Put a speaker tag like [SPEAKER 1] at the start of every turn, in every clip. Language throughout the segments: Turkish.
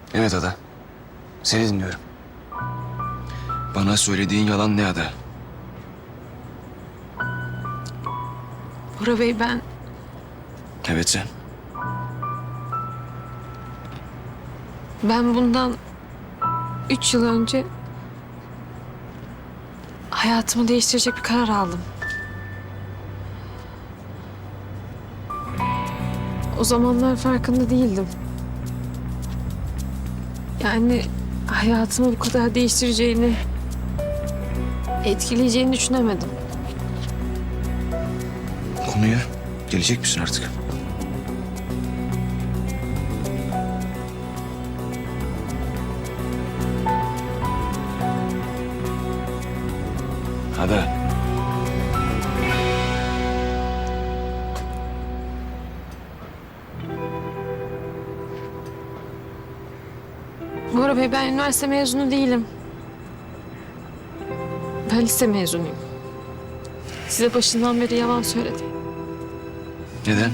[SPEAKER 1] Evet Ada. Seni dinliyorum. Bana söylediğin yalan ne Ada?
[SPEAKER 2] Bora Bey ben
[SPEAKER 1] Evet sen.
[SPEAKER 2] bundan 3 yıl önce hayatımı değiştirecek bir karar aldım. O zamanlar farkında değildim. Yani hayatımı bu kadar değiştireceğini, etkileyeceğini düşünemedim.
[SPEAKER 1] Konuya gelecek misin artık? Ada.
[SPEAKER 2] Bora Bey ben üniversite mezunu değilim. Ben lise mezunuyum. Size başından beri yalan söyledim.
[SPEAKER 1] Neden?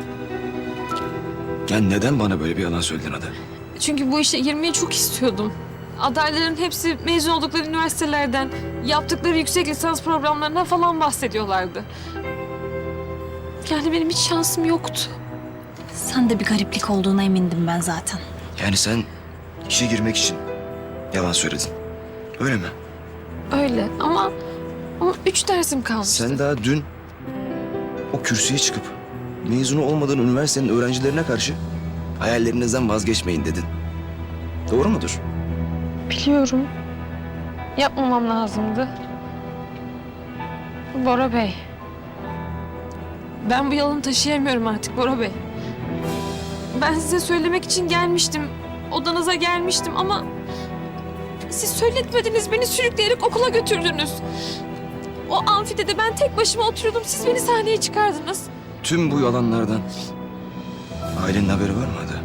[SPEAKER 1] Ya neden bana böyle bir yalan söyledin Ada?
[SPEAKER 2] Çünkü bu işe girmeyi çok istiyordum. Adayların hepsi mezun oldukları üniversitelerden, yaptıkları yüksek lisans programlarından falan bahsediyorlardı. Yani benim hiç şansım yoktu.
[SPEAKER 3] Sen de bir gariplik olduğuna emindim ben zaten.
[SPEAKER 1] Yani sen işe girmek için yalan söyledin. Öyle mi?
[SPEAKER 2] Öyle ama 3 dersim kalmıştı.
[SPEAKER 1] Sen daha dün o kürsüye çıkıp mezunu olmadığın üniversitenin öğrencilerine karşı hayallerinizden vazgeçmeyin dedin. Doğru mudur?
[SPEAKER 2] Biliyorum. Yapmamam lazımdı. Bora Bey. Ben bu yalanı taşıyamıyorum artık Bora Bey. Ben size söylemek için gelmiştim. Odanıza gelmiştim ama siz söyletmediniz. Beni sürükleyerek okula götürdünüz. O amfitede ben tek başıma oturuyordum. Siz beni sahneye çıkardınız.
[SPEAKER 1] Tüm bu yalanlardan ailenin haberi var mı Ada?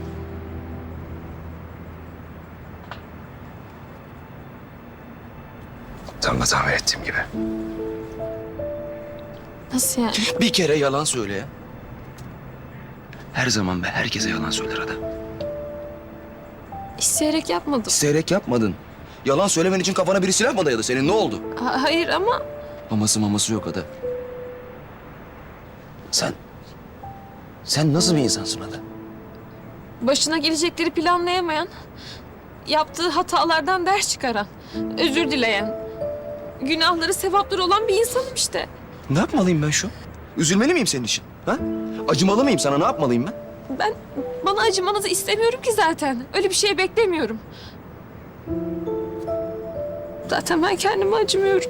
[SPEAKER 1] Tam da tahmin ettiğim gibi.
[SPEAKER 2] Nasıl yani?
[SPEAKER 1] Bir kere yalan söyle ya. Her zaman ve herkese yalan söyler Ada.
[SPEAKER 2] İsteyerek yapmadım.
[SPEAKER 1] İsteyerek yapmadın. Yalan söylemen için kafana biri silah mı dayadı senin? Ne oldu?
[SPEAKER 2] Hayır ama
[SPEAKER 1] Maması maması yok Ada. Sen nasıl bir insansın Ada?
[SPEAKER 2] başına gelecekleri planlayamayan, yaptığı hatalardan ders çıkaran, özür dileyen, günahları sevapları olan bir insanım işte.
[SPEAKER 1] Ne yapmalıyım ben şu an? Üzülmeli miyim senin için? Ha? Acımalı mıyım sana? Ne yapmalıyım ben?
[SPEAKER 2] Bana acımanızı istemiyorum ki zaten. Öyle bir şey beklemiyorum. Zaten ben kendime acımıyorum.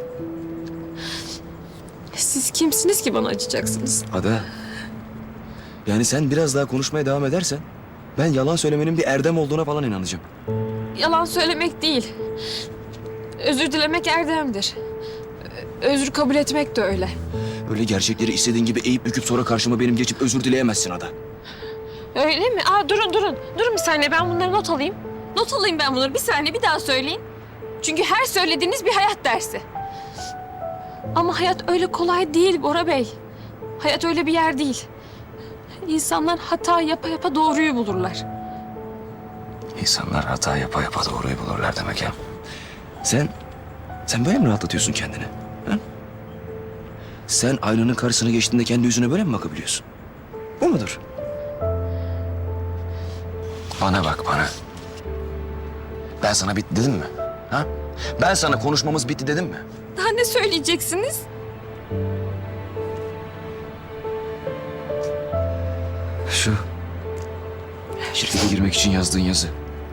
[SPEAKER 2] Siz kimsiniz ki bana acıyacaksınız?
[SPEAKER 1] Ada. Yani sen biraz daha konuşmaya devam edersen ben yalan söylemenin bir erdem olduğuna falan inanacağım.
[SPEAKER 2] Yalan söylemek değil. Özür dilemek erdemdir. Özür kabul etmek de öyle.
[SPEAKER 1] Öyle gerçekleri istediğin gibi eğip büküp sonra karşıma benim geçip özür dileyemezsin Ada.
[SPEAKER 2] Öyle mi? Durun. Durun bir saniye ben bunları not alayım. Not alayım ben bunları. Bir saniye bir daha söyleyin. Çünkü her söylediğiniz bir hayat dersi. Ama hayat öyle kolay değil Bora Bey. Hayat öyle bir yer değil. İnsanlar hata yapa yapa doğruyu bulurlar.
[SPEAKER 1] İnsanlar hata yapa yapa doğruyu bulurlar demek ya. Sen böyle mi rahatlatıyorsun kendini? Ha? Sen aynanın karşısına geçtiğinde kendi yüzüne böyle mi bakabiliyorsun? Bu mudur? Bana bak bana. Ben sana bitti dedim mi? Ha? Ben sana konuşmamız bitti dedim mi?
[SPEAKER 2] Daha ne söyleyeceksiniz?
[SPEAKER 1] Şu şirkete girmek için yazdığın yazı.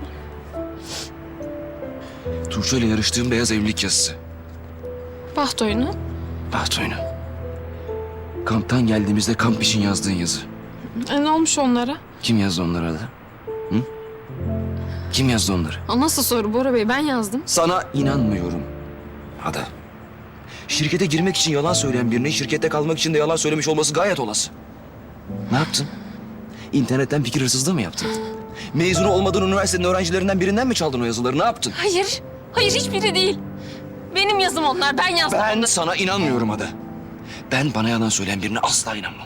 [SPEAKER 1] Tuğçe ile yarıştığım beyaz evlilik yazısı.
[SPEAKER 2] Baht oyunu.
[SPEAKER 1] Baht oyunu. Kamptan geldiğimizde kamp için yazdığın yazı.
[SPEAKER 2] Ne olmuş onlara?
[SPEAKER 1] Kim yazdı onları Ada? Hı? Kim yazdı onları?
[SPEAKER 2] Nasıl soru Bora Bey? Ben yazdım.
[SPEAKER 1] Sana inanmıyorum Ada. Şirkete girmek için yalan söyleyen birinin şirkette kalmak için de yalan söylemiş olması gayet olası. Ne yaptın? İnternetten fikir hırsızlığı mı yaptın? Mezunu olmadığın üniversitenin öğrencilerinden birinden mi çaldın o yazıları? Ne yaptın?
[SPEAKER 2] Hayır. Hayır hiçbiri değil. Benim yazım onlar. Ben yazdım.
[SPEAKER 1] Ben sana inanmıyorum Ada. Ben bana yalan söyleyen birine asla inanmam.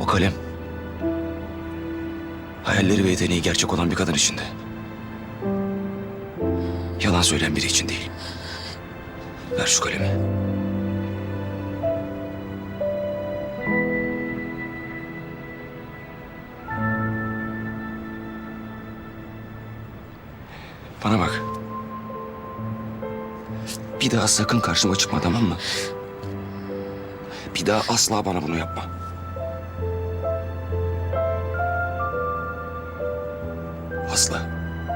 [SPEAKER 1] kalem hayalleri ve yeteneği gerçek olan bir kadın içinde. Yalan söyleyen biri için değil. Ver şu kalemi. Bana bak. Bir daha sakın karşıma çıkma, tamam mı? Bir daha asla bana bunu yapma. Asla.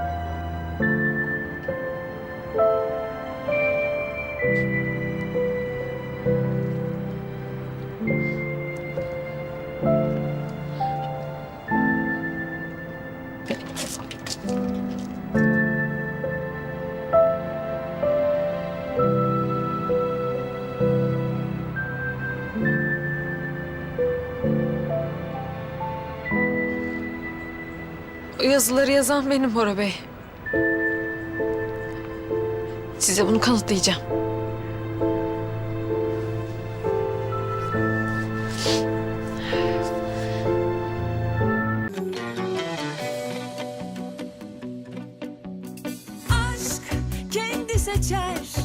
[SPEAKER 2] O yazıları yazan benim Bora Bey. Size bunu kanıtlayacağım.
[SPEAKER 4] Aşk kendi seçer